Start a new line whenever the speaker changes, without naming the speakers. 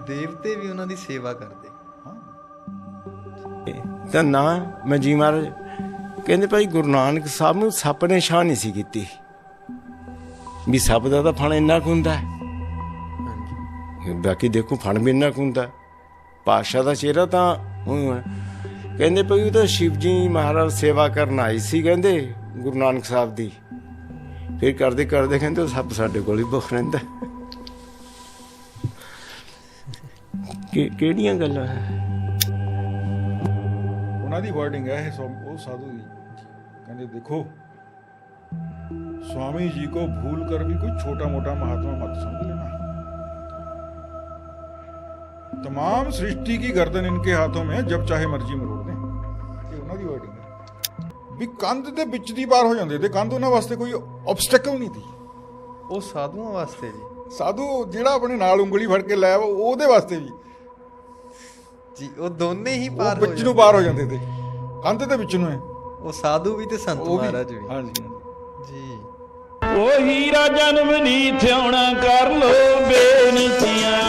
ਦੇਵਤੇ ਵੀ ਉਹਨਾਂ ਦੀ ਸੇਵਾ ਕਰਦੇ।
ਤਾਂ ਨਾ ਮੈਂ ਜੀ ਮਹਾਰਾਜ ਕਹਿੰਦੇ ਭਾਈ ਗੁਰੂ ਨਾਨਕ ਸਾਹਿਬ ਨੂੰ ਸੱਪ ਨੇ ਛਾਂ ਨਹੀਂ ਸੀ ਕੀਤੀ ਵੀ ਸੱਪ ਦਾ ਤਾਂ ਫਣ ਇੰਨਾ ਕੁ ਹੁੰਦਾ, ਬਾਕੀ ਦੇਖੋ ਫਣ ਵੀ ਇੰਨਾ ਕੁ ਹੁੰਦਾ। ਪਾਤਸ਼ਾਹ ਦਾ ਚਿਹਰਾ ਤਾਂ ਊਂ ਹੈ। ਕਹਿੰਦੇ ਭਾਈ ਉਹ ਤਾਂ ਸ਼ਿਵ ਜੀ ਮਹਾਰਾਜ ਸੇਵਾ ਕਰਨ ਆਈ ਸੀ ਕਹਿੰਦੇ ਗੁਰੂ ਨਾਨਕ ਸਾਹਿਬ ਦੀ, ਫਿਰ ਕਰਦੇ ਕਰਦੇ ਕਹਿੰਦੇ ਉਹ ਸੱਪ ਸਾਡੇ ਕੋਲ ਹੀ ਭੁੱਖ ਰਹਿੰਦਾ। ਕਿਹੜੀਆਂ ਗੱਲਾਂ ਹੈ
ਉਹਨਾਂ ਦੀ ਵਰਡਿੰਗ ਹੈ ਇਹ, ਉਹ ਸਾਧੂ ਦੀ। ਕਹਿੰਦੇ ਦੇਖੋ स्वामी जी को भूल कर भी कोई छोटा मोटा महात्मा मत समझ लेना, तमाम सृष्टि की गर्दन इनके हाथों में, जब चाहे मर्जी मरोड़ दें। ये उन्हां दी वर्डिंग है भी कंध दे विच दी पार हो जांदे ते कंध उन्हां वास्ते कोई ऑब्स्टैकल नहीं थी।
ਉਹ ਸਾਧੂਆਂ ਵਾਸਤੇ ਜੀ,
साधु जिहड़ा अपने नाल उंगली फड़ के लै ਉਹਦੇ ਵਾਸਤੇ ਵੀ
ਜੀ ਉਹ ਦੋਨੇ ਹੀ ਪਾਰ ਹੋ
ਵਿੱਚ ਨੂੰ ਪਾਰ ਹੋ ਜਾਂਦੇ ਤੇ ਕੰਧ ਦੇ ਵਿੱਚ ਨੂੰ ਹੈ
ਉਹ ਸਾਧੂ ਵੀ ਤੇ ਸੰਤ ਮਹਾਰਾਜ ਵੀ।
ਹਾਂਜੀ
ਜੀ
ਉਹ ਹੀਰਾ ਜਨਮ ਨੀ ਥਿਆਉਣਾ ਕਰ ਲੋ ਬੇਨਤੀਆਂ।